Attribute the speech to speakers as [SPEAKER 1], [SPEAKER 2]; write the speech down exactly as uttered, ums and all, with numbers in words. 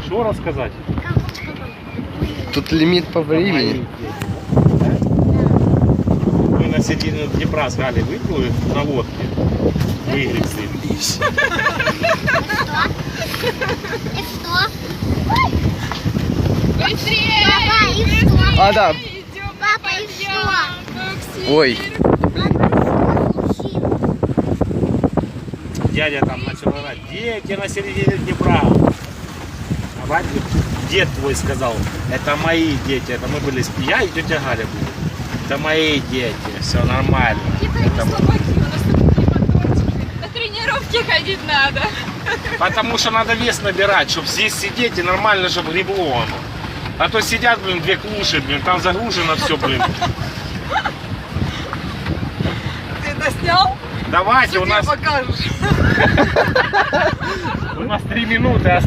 [SPEAKER 1] Что рассказать?
[SPEAKER 2] Тут лимит по времени.
[SPEAKER 1] Мы на середине Днепра с Галей выплыли на лодке. Выгребли.
[SPEAKER 3] И что?
[SPEAKER 4] Быстрее!
[SPEAKER 3] Папа, и что?
[SPEAKER 2] А, да.
[SPEAKER 4] Идем,
[SPEAKER 3] Папа, и что?
[SPEAKER 4] Максим.
[SPEAKER 2] Ой.
[SPEAKER 1] Дядя там начал орать. Дети на середине Днепра. А Вадик, дед твой сказал, это мои дети. Это мы были, я и тетя Галя были. Это мои дети. Все нормально.
[SPEAKER 4] Типа
[SPEAKER 1] Это
[SPEAKER 4] не
[SPEAKER 1] мы-
[SPEAKER 4] собаки, у нас тут не моторчики. На тренировки ходить надо.
[SPEAKER 1] Потому что надо вес набирать, чтобы здесь сидеть и нормально, чтобы гребло оно. А то сидят, блин, две клуши, блин, там загружено все, блин.
[SPEAKER 4] Ты это снял?
[SPEAKER 1] Давайте, у нас,
[SPEAKER 4] покажешь.
[SPEAKER 1] у нас три минуты